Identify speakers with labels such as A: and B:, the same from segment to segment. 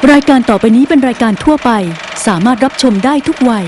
A: รายการต่อไปนี้เป็นรายการทั่วไปสามารถรับชมได้ทุกวัย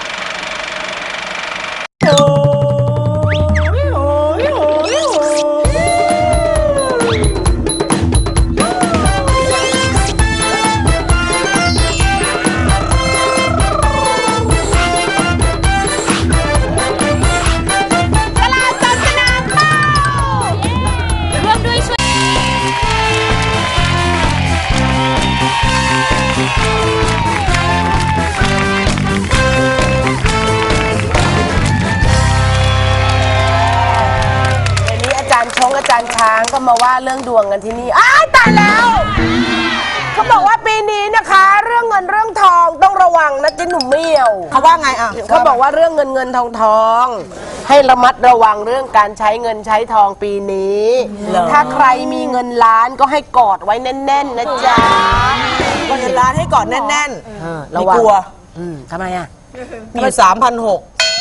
B: อาจารย์ช้างก็มาว่าเรื่องดวงกันที่นี่อ้ายตายแล้วเขาบอกว่าปีนี้นะคะเรื่องเงินเรื่องทองต้องระวังนะเจ๊หนุ่มเมี่ยวเขาว่าไงอ่ะเขาบอกว่าเรื่องเงินทองให้ระมัดระวังเรื่องการใช้เงินใช้ทองปีนี้ถ้าใครมีเงินล้านก็ให้กอดไว้แน่นๆนะจ๊ะ
C: เงินล้านให้กอดแน่นๆไม่กลัว
B: ทำไมอ่ะ
C: มี3,600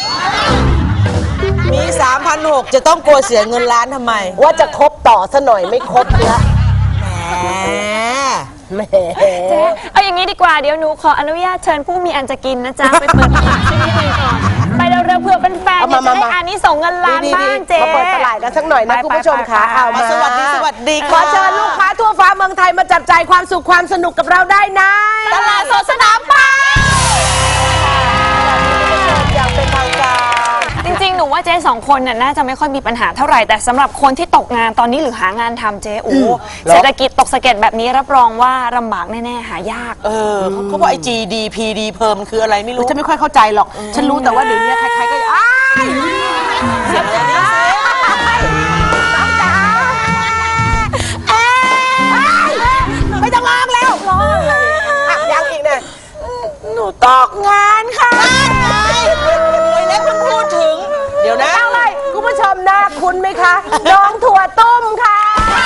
C: มี3,600จะต้องกลัวเสียเงินล้านทำไม
B: ว่าจะคบต่อซะหน่อยไม่คบละ
D: แหมเจ๊เอาอย่างนี้ดีกว่าเดี๋ยวหนูขออนุญาตเชิญผู้มีอันจะกินนะจ๊ะไปเปิดตลาดชนิดหนึ่งก่อนไปเร็วๆเผื่อเป็นแฟนจะได้อันนี้ส่งเงินล้านบ้างเจ๊
B: มาเปิดตลาดกันสักหน่อยนะคุณผู้ชมค่ะเอามา
C: สวัสดี
B: ขอเชิญลูกค้าทั่วฟ้าเมืองไทยมาจับจ่ายความสุขความสนุกกับเราได้นะ
D: ตลาดสดสนามเป้า
B: อย่างเป็นทางการ
D: จริงๆหนูว่าเจ๊2คนน่าจะไม่ค่อยมีปัญหาเท่าไหร่แต่สำหรับคนที่ตกงานตอนนี้หรือหางานทำเจ๊เศรษฐกิจตกสะเก็ดแบบนี้รับรองว่าลำบากแน่ๆหายาก
C: เขาบอกไอ้ GDPD เพิ่มคืออะไรไม่รู้
B: ฉันไม่ค่อยเข้าใจหรอกฉันรู้แต่ว่าเดี๋ยวนี้ใครๆก็เสียงอะไรน้องจ๋าไม่ต้องร้องแล้วยังอีกเนี่ยหนูตกงานค่ะ
C: แล้วคุณพูดถึงเดี๋ยวนะ
B: อะไรคุณผู้ชมน่าคุ้นไหมคะน้องถั่วต้มค่ะ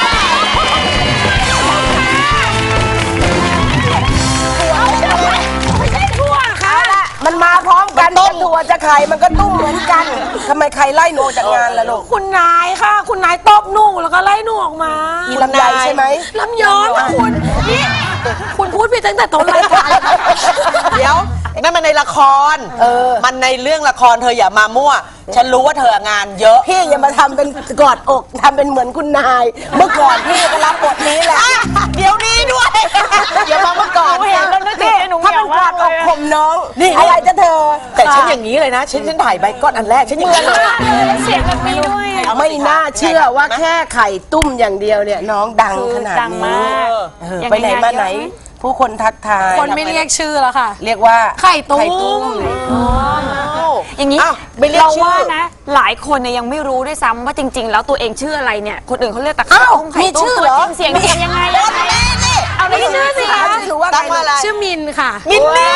B: ไม่ใช่ถั่วค่ะมันมาพร้อมกันจะถั่วจะไข่มันก็ตุ้มเหมือนกันทำไมใครไล่หนูจากงานล่ะลูก
E: คุณนายค่ะคุณนายตบหนูแล้วก็ไล่หนูออกมา
B: ลำไยใช่ไหม
E: ลำยองคุณนี่คุณพูดผิดตั้งแต่ต้นรายการ
C: เดี๋ยวนั่นมันในละครมันในเรื่องละครเธออย่ามามั่วฉันรู้ว่าเธองานเยอะ
B: พี่อย่ามาทำเป็นกอดอกทำเป็นเหมือนคุณนายเมื่อก่อนพี่ก็รับบทนี้แหละ
C: เดี๋ยวนี้ด้วยอย่ามาเมื่อก่อน
D: เห็นแล้วนึกถึงหนู
B: ถ้าเป็นกอดอกข่มน้องนี่อะไรจะเธอ
C: แต่ฉันอย่างนี้เลยนะฉันถ่ายใบก้อนอันแรกฉันอย่างนี้เลย
D: เสียงแบบนี้ด้วย
B: ไม่น่าเชื่อว่าแค่ไข่ตุ้มอย่างเดียวเนี่ยน้องดังขนาดนี้ไปไหนมาไหนผู้คนทักทาย
E: คนไม่เรียกชื่อแล้วค่ะ
B: เรียกว่า
E: ไข่ตุ้ม
D: อย่างนี้เราว่านะหลายคนเนี่ยยังไม่รู้ด้วยซ้ำว่าจริงๆแล้วตัวเองชื่ออะไรเนี่ยคนอื่นเขาเรียกแต่ไข่ตุ้มไข่ตุ้มตัวจริงเสียงยังไงเอาไม่ชื่อสิ
C: ตั้งว่าอะไร
E: ชื่อมินค่ะ
C: มินนี่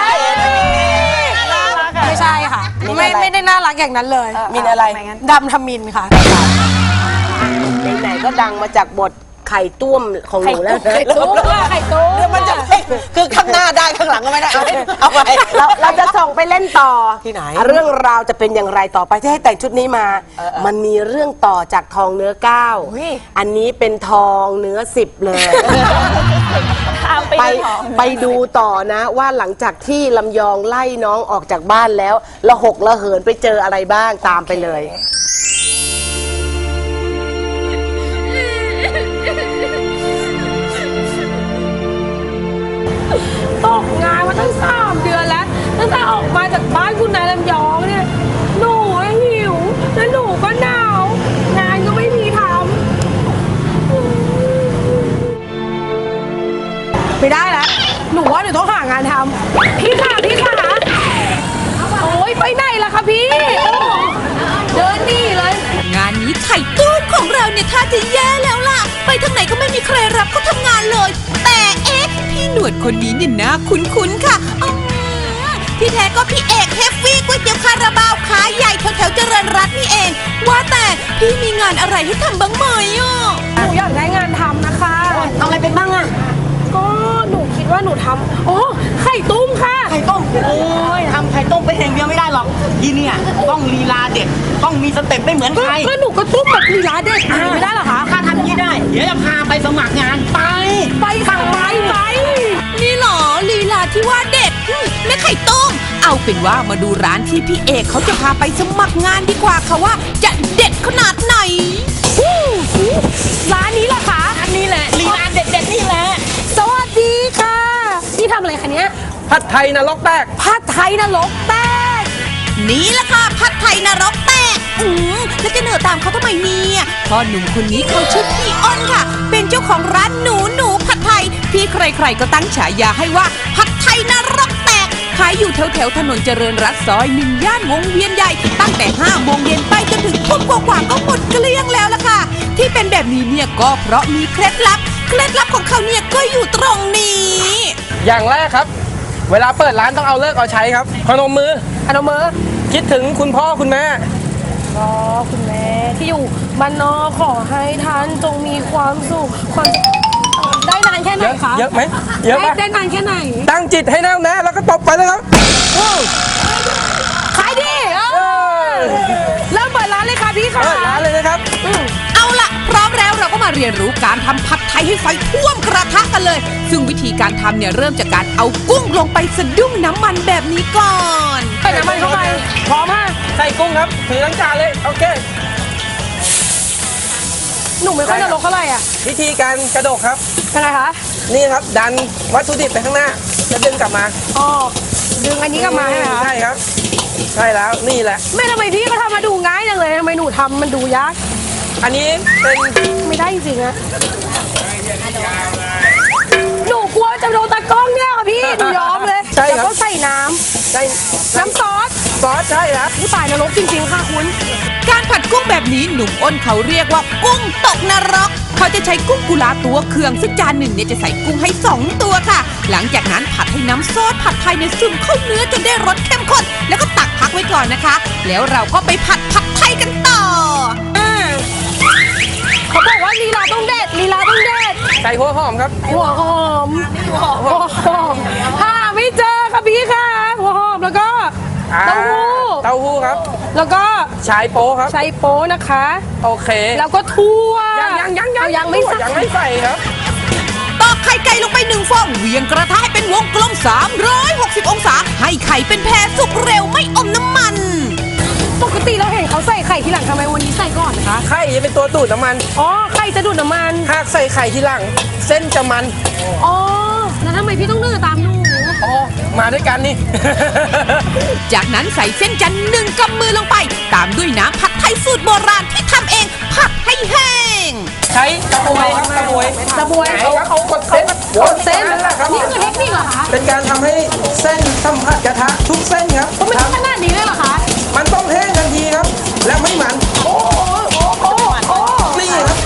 E: ไม่ใช่ค่ะไม่ได้น่ารักอย่างนั้นเลย
B: มินอะไร
E: ดำทมินค่ะ
B: ไหนๆก็ดังมาจากบทไข่ตุ้มของหนูแล้ว
E: ไข่ตุ้ม
C: มันจะคือข้างหน้าได้ข้างหลังก็ไม่ได้เอาไป
B: เราจะส่งไปเล่นต่อ
C: ที่ไหน
B: เรื่องราวจะเป็นอย่างไรต่อไปที่ให้แต่งชุดนี้มามันมีเรื่องต่อจากทองเนื้อ9อันนี้เป็นทองเนื้อ10เลยไปดูต่อนะว่าหลังจากที่ลำยองไล่น้องออกจากบ้านแล้วละหกละเหินไปเจออะไรบ้างตามไปเลย
E: ตกงานมาตั้ง3 เดือนแล้วตั้งแต่ออกมาจากบ้านคุณนายลำยองเนี่ยหนูหิวแล้วหนูก็หนาวงานก็ไม่มีทำไม่ได้แล้วหนูว่าหนูต้องหางานทำพี่ค่ะโอ้ยไปไหนล่ะคะพี่เดินนี่เลย
F: งานนี้ไข่ตุ้มของเราเนี่ยท่าจะแย่แล้วล่ะไปทางไหนก็ไม่มีใครรับเขาทำงานเลยแต่พี่หนวดคนนี้เนี่ยน่าคุ้นๆค่ะที่แท้ก็พี่เอกเฮฟวี่ก๋วยเตี๋ยวคาราบาวขาใหญ่แถวๆเจริญรัตน์นี่เองว่าแต่พี่มีงานอะไรให้ทำบ้างไหม
E: หนูอยากได้งานทำนะคะ
B: ทำอะไรเป็นบ้างอะ
E: ก็หนูคิดว่าหนูทำไข่ตุ้มค่ะ
G: ไข่ต้มโอ้ยทำไข่ต้มไปเองเดียวไม่ได้หรอกทีเนี่ยต้องลีลาเด็ดต้องมีสเต็ปไม่เหมือนใคร
E: ก็หนูก็ตุ้มแบบลีลาเด็ดไม่ได้หรอคะ
G: ถ้าทำอย่างนี้ได้เดี๋ยวจะพาไปสมัครงานไป
E: ค่ะไปนี่
F: ไข่ต้มเอาเป็นว่ามาดูร้านที่พี่เอกเขาจะพาไปสมัครงานดีกว่าค่ะว่าจะเด็ดขนาดไหน
E: ร้านนี้เหรอคะอันนี้แหละลีลาเด็ดๆนี่แหละสวัสดีค่ะนี่ทำอะไรคะเนี้ย
H: ผัดไทยนรกแตก
E: ผัดไทยนรกแตก
F: นี่แหละค่ะผัดไทยนรกแตกแล้วจะเหนือตามเขาทำไมเนี่ยพ่อหนุ่มคนนี้เขาชื่อพี่อ้นค่ะ เป็นเจ้าของร้านหนูผัดไทยที่ใครๆก็ตั้งฉายาให้ว่าผัดไทยนรกแตกขายอยู่แถวถนนเจริญรัตน์ซอย1ย่านวงเวียนใหญ่ตั้งแต่5 โมงเย็นไปจนถึงทุ่มกว่าก็หมดเกลี้ยงแล้วล่ะค่ะที่เป็นแบบนี้เนี่ยก็เพราะมีเคล็ดลับของเขาเนี่ยก็อยู่ตรงนี้
H: อย่างแรกครับ เวลาเปิดร้านต้องเอาเลิกเอาใช้ครับพนมมือ
E: อนุมือ
H: คิดถึงคุณพ่อคุณแม่
E: อ๋อคุณแม่ที่อยู่บ้านนอกขอให้ท่านจงมีความสุขความได้นานแค่ไหน
H: เยอะ
E: คะ
H: เยอะไหมเยอะไหม
E: ได้นานแค่ไหน
H: ตั้งจิตให้แน่วแน่แล้วก็ตบไปเลยครับ
E: ขายดีเริ่มเปิดร้านเลยค่ะพี่ค่ะ
H: เปิดร้านเลยนะครับ
F: เอาล่ะพร้อมแล้วเราก็มาเรียนรู้การทำผัดไทยให้ไฟท่วมกระทะกันเลย ซึ่งวิธีการทำเนี่ยเริ่มจากการเอากุ้งลงไปสะดุ้งน้ำมันแบบนี้ก่อน
E: ใส่น้ำมันเข้าไปพร้อมมาก
H: ใส่กุ้งครับถือทั้งจานเลยโอเค
E: หนูไม่ค่อยนรกเท่าไหร่อ่ะ
H: วิธีการกระดกครับ
E: ยังไงคะ
H: นี่ครับดันวัตถุดิบไปข้างหน้าแล้วดึงกลับมา
E: อ๋อดึงอันนี้กลับมาใช่ไหมคะ
H: ใช่ครับใช่แล้วนี่แหละ
E: แม่ทำไมพี่ก็ทำมาดูง่ายจังเลยทำไมหนูทำมันดูยาก
H: อันนี้เป็น
E: ไม่ได้จริงๆอะหนูกลัวจะโดนตากล้องเนี่ยค่ะพี่หนูยอมเลย
H: ใช่
E: แล้ว
H: ครับ
E: ก็ใส่น้
H: ใช่
E: ำน้ำซอส
H: ซอสใช่ครับ
E: ผู้ตายนรกจริงๆค่ะคุณ
F: การผัดกุ้งแบบนี้หนุ่มอ้นเขาเรียกว่ากุ้งตกนรกเขาจะใช้กุ้งกุลาตัวเคืองซึ่งจานหนึ่งเนี่ยจะใส่กุ้งให้2 ตัวค่ะ หลังจากนั้นผัดให้น้ำซอสผัดไทยในซึมเข้าเนื้อจนได้รสเข้มข้นแล้วก็ตักพักไว้ก่อนนะคะ แล้วเราก็ไปผัดไทยกันต่อ
E: เขาบอกว่าลีลาต้องเด็ดลีลาต้องเด็ด
H: ใส่หัวหอมครับ
E: หัวหอมหัวหอมหาไม่เจอค่ะพี่ค่ะหัวหอมแล้วก็เต้าหู้
H: เต้าหู้ครับ
E: แล้วก็
H: ชายโป๊ครับ
E: ใช้โป๊นะคะ
H: โอเค
E: แล้วก็ทั่ว
H: ยังไม่ใส่
E: ยัง
H: ยัง
E: ไม่
H: ไม่ใส่ครับ
F: ตอกไข่ไก่ลงไป1 ฟองเหวี่ยงกระทะให้เป็นวงกลม360 องศาให้ไข่เป็นแพรสุกเร็วไม่อมน้ำมัน
E: ปกติเราเห็นเขาใส่ไข่ทีหลังทำไมวันนี้ใส่ก่อนนะคะ
H: ไข่จะเป็นตัวดูดน้ำมัน
E: อ๋อไข่จะดูดน้ำมัน
H: หากใส่ไข่ทีหลัง เส้นจะมัน
E: อ๋อแล้วทำไมพี่ต้องดื้อตามหนู
H: อ๋อมาด้วยกันนี่
F: จากนั้นใส่เส้นจันทร์1 กำมือลงไป ตามด้วยน้ำผัดไทยสูตรโบราณที่ทำเองผัดให้แห้ง
H: ใช้กระบวยครับกระบวย
E: กระบวย
H: เอากดเส้น
E: กดเส้น
H: นั่นแหละครับ
E: นี่คือเทคนิคเหรอคะ
H: เป็นการทำให้เส้นสัมผัสกระทะทุกเส้นครับ
E: มันต้องขนาดนี้เลยเหรอคะ
H: มันต้องแห้งทันทีครับ และไม่มันนี่ครับ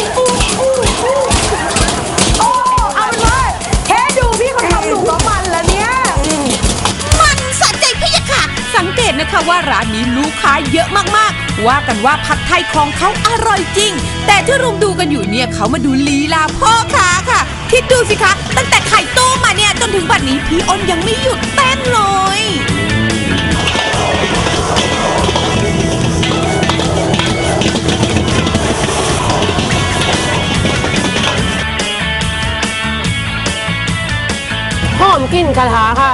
E: เอาเป็นว่าแค่ดูพี่เขาทำหนูก็มันแล้วเนี่ย
F: มันสะใจพี่ยะค่ะ สังเกตนะคะว่าร้านนี้ลูกค้าเยอะมากๆ ว่ากันว่าผัดไทยของเขาอร่อยจริง แต่ที่รุมดูกันอยู่เนี่ยเขามาดูลีลาพ่อค้าค่ะ คิดดูสิคะ ตั้งแต่ไข่ต้มมาเนี่ยจนถึงบัดนี้พี่อ้นยังไม่หยุดเต้นเลย
E: หอมกลิ่นกระทะค่ะ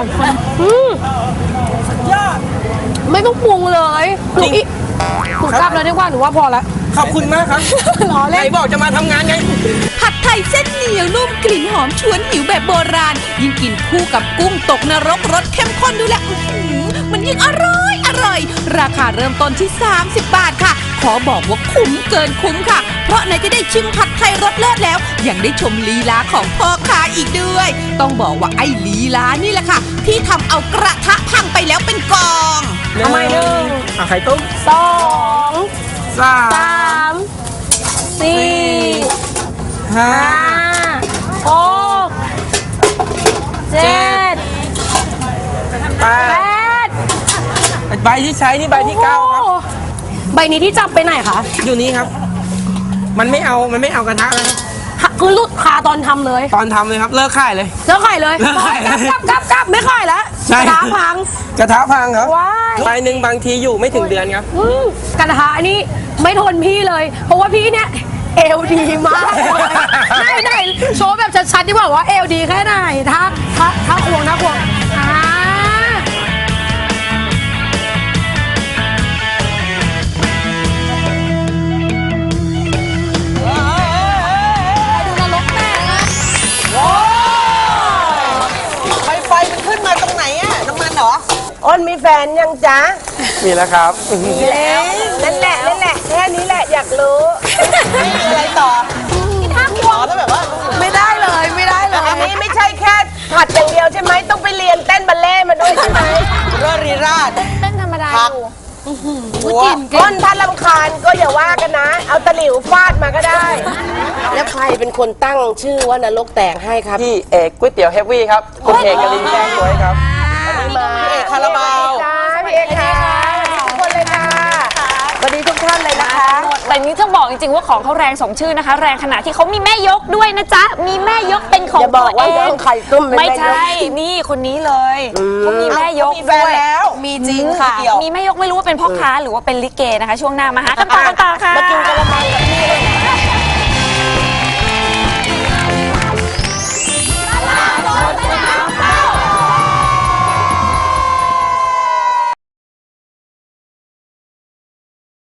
E: ยอดไม่ต้องปรุงเลยหนูกลับแล้วดีกว่าหนูว่าพอละ
H: ขอบคุณมากครับ
E: ล้อ
H: ไหน
E: เล่น
H: บอกจะมาทำงานไง
F: ผัดไทยเส้นเหนียวนุ่มกลิ่นหอมชวนหิวแบบโบราณ ยิ่งกินคู่กับกุ้งตกนรกรสเข้มข้นดูแลวมันยิ่งอร่อย ราคาเริ่มต้นที่ 30 บาทค่ะ ขอบอกว่าคุ้มเกินคุ้มค่ะ เพราะไหนจะได้ชิมผัดไทยรสเลิศแล้ว ยังได้ชมลีลาของพ่อค้าอีกด้วย ต้องบอกว่าไอ้ลีลานี่แหละค่ะ ที่ทำเอากระทะพังไปแล้วเป็นกอง
E: ทำไมหนึ่ง
H: ไข่ต้ม
E: สอง
H: สา
E: สามสี่
H: ห้า
E: หกเจ็ด
H: แป
E: แป
H: ด
E: ด
H: ใบที่ใช้นี่ใบที่9ครับ
E: โอ้ใบนี้ที่จับไปไหนคะ
H: อยู่นี้ครับ มันไม่เอากระทะแล้วครับ
E: คือลุดคาตอนทำเลย
H: ตอนทำเลยครับ เลิกขายเลย
E: แล้วขายเลย
H: แล้วขายเลย
E: กลับไม่ขายแล้ว
H: ใช่
E: กระทะพัง
H: กระทะพังครับ
E: ว้าย
H: ใบหนึ่งบางทีอยู่ไม่ถึงเดือนครับ
E: กระทะนี่ไม่ทนพี่เลย เพราะว่าพี่เนี่ยเอวดีมากเลยไหนโชว์แบบชัดๆดีกว่าว่าเอวดีแค่ไหนถ้าควงอ่า
B: อ้นมีแฟนยังจ๊ะ
H: มีแล้วครับ
B: มีแล้วนั่นแหละแค่นี้แหละอยากรู้
C: มีอะไรต่ออ๋อถ้าแบบว่า
B: ไม่ได้เลยอันนี้ไม่ใช่แค่ผัดอย่างเดียวใช่ไหมต้องไปเรียนเต้นบัลเล่ต์มาด้วยใช่ไหม
C: เรื่องรีราช
D: เต้นธรรมดา
C: พัก
D: อยู่
C: หัว
B: อ้นถ้าลำคาญก็อย่าว่ากันนะ เอาตะหลิวฟาดมาก็ได้ แล้วใครเป็นคนตั้งชื่อว่านรกแตกให้ครับ
H: พี่เอกก๋วยเตี๋ยวเฮฟวี่ครับ คุณเอกกลินแจ้งสวยครับ
C: พี่เอกคาราบาว
B: พี่เอกค่ะทุกคนเลยค่ะสวัสดีทุกท่านเลยนะคะ
D: แต่นี้ต้องบอกจริงๆว่าของเขาแรงสมชื่อนะคะ แรงขนาดที่เขามีแม่ยกด้วยนะจ๊ะ มีแม่ยกเป็นของ
B: อย่าบอกว่า
D: ตัวเอง
B: น้องไข่ต้มเป็นแม่ยก
D: ไม่ใช่ นี่คนนี้เลยเขามีแม่ยก
C: มีแฟน
D: ด้วย
C: แล้ว
D: มีจริงค่ะ มีแม่ยกไม่รู้ว่าเป็นพ่อค้าหรือว่าเป็นลิเกนะคะ ช่วงหน้ามาหากันต่อค่ะ
B: มากินกะละมัง